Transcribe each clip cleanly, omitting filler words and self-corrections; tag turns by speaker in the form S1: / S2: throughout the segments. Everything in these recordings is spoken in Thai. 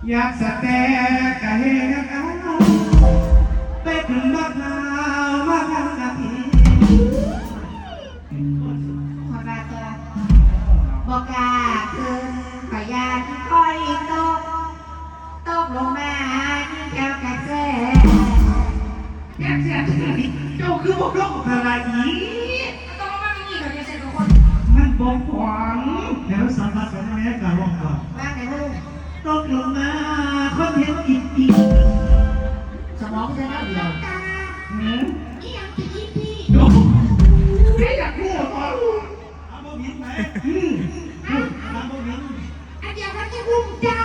S1: อยากสแตกะเฮกันไปถึงบักนาวมากันกะพี
S2: คนมาตัวบอกกาคืนขอยานค่อยตกลงมาที่แก้วกระแส
S1: แกเสียที่ไหนเจ้าคือบอกร้องอะไรอี
S2: ต้องมาไม่มีกับเด็กทุกคน
S1: มันบอกหวังแล้วสัมผัสของแม่กะร้องก่อน
S2: ว่าไงพ่อลุง
S1: ตกลงมาคนเห็นกินอี
S2: สมองจะน่าเดียวนี่ยังจะยิ้มพี่
S1: ไม่อยากพูดต่ออาโมบินไหมอาโมบิน
S2: อันเดียวกันจะรุ่งจ้า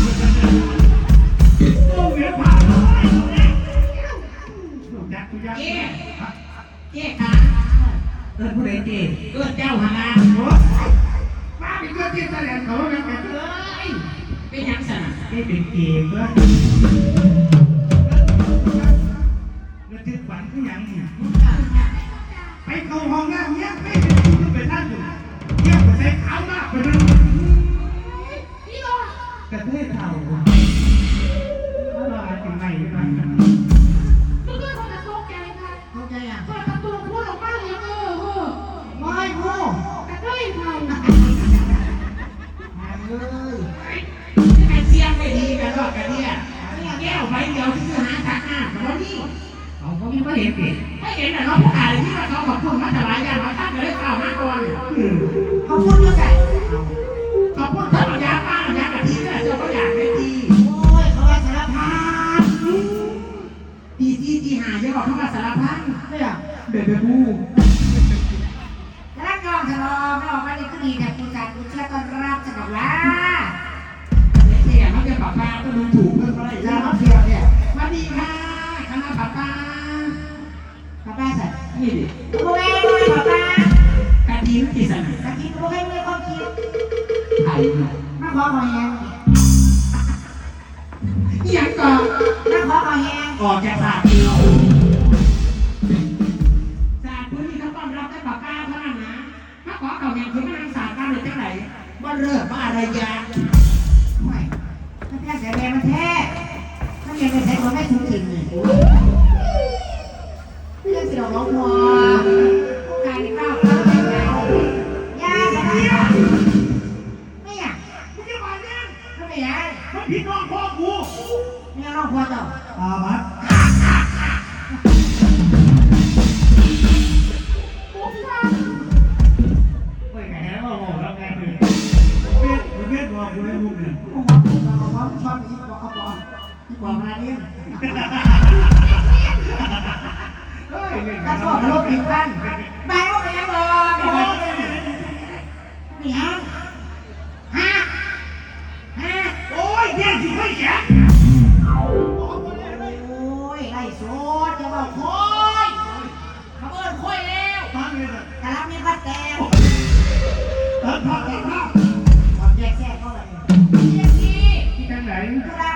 S1: โมบินผ่านเลยลูกยักษ์ยักษ์
S2: เจ๊ขา
S1: ผู้ใดเจ๊
S2: เจ้าหา
S1: มาเป็นเพื่อนที่แสดงเขาแล้วกันเลย
S2: เป็นยังสั่ง
S1: เป็นเกมเพื่อนแล้วที่ฝันคืออย่างนี้ไปเข้าห้องน้ำเนี้ยไม่เป็นผู้เป็นท่านอยู่เยี่ยมกว่าใส่ขาวมากไปเลยกระเทยเท่าอะไรเป็นไงบ้าง
S2: ทุกคนจะตกใจค่ะตกใจอ่ะเปิดประตูพูดออกมาเลยไม่พูดกระเทยเท่า
S3: นี่มันเสียงไม่ดีกันหรอกกันเนี่ยแก้วใบเดียวที่หาทักหน้าแล้วนี่
S1: เขาไม่เห็นดิ
S3: ไม่เห็นแต่เราผู้อ่านที่ว่าเขาขอบคุณมาถวายยามาตั้งเลยข่าวมาก่อน
S2: เขาพูดเยอะไง
S3: ขอบคุณท่านยาป้ายากะทิเนี่ยเจ้าก็อยากได้ดี
S2: โอ้ยเขาว่าสารพัด
S3: ดีที่หาจะบอกเขาว่าสารพัด
S2: เนี่ย
S1: เบเบบู
S2: รักยองฉลองไม่ออกมาดีก็ดีแต่คุณจัดคุณเชื่อต้อนรับสนุกละ
S3: เสียมันจะปากกาต้องดูถูกเพื่อนอะไร
S2: แล้
S3: จ้าว
S2: เที่ยวเนี่ย
S3: มาดีค่ะคณะปากกา
S2: ป้าป้าสัตว์
S3: นี่ดิ
S2: โอ้ยป้าป้าก
S3: ะทิกี่สัน
S2: ตะกี้โอ้ยไม่ความคิด
S3: ไทย
S2: มาขอหอยแห้ง
S3: ยังก่อน
S2: มาขอหอยแห้ง
S3: ออกจากศาสตร์เดียวศาสตร์พื้นที่เขาต้อนรับได้ปากกาเท่านั้นนะถ้าขอเก่าอย่างคือไม่นำศาสตร์การเลยจังไหนว่าเลิกว่าอะไรยา
S2: ไม่มันแท้เสียแรงมันแท้มันยังไม่ใช่คนไม่ถูกจริงเลยเรื่องสิเราล้มหัวการที่ก้าวเข้าไปแล้วยาสบายไม่อยาก
S1: มึงจะมาเนี่ย
S2: ก็ไม่อยาก
S1: มันผิดน้องพ่อกู
S2: ไม่เอาน้องพ่อต่อ
S1: บัดไม่แก่ว่าบอกแล้วไงคือเวียดบอกกูได้ลูกเนี่ย
S2: ผมชอบอีกบอกบอกมาเนี่ยกระโดดรถผิดบ้านไปว่าไปยังบอกนี่ฮะ
S1: โอ้ยเนี่ยสิไม่แก่
S2: โอ้ยไล่สดจะบอกค่อยเขาเอิ้นค่อยแล้ว
S1: ฟังเลยนะ
S2: แต่รับมีพัดแตง
S1: เติมภาพ
S2: ความแยกแยกเขาเลย
S1: ที่ทางไหน
S2: ธุระ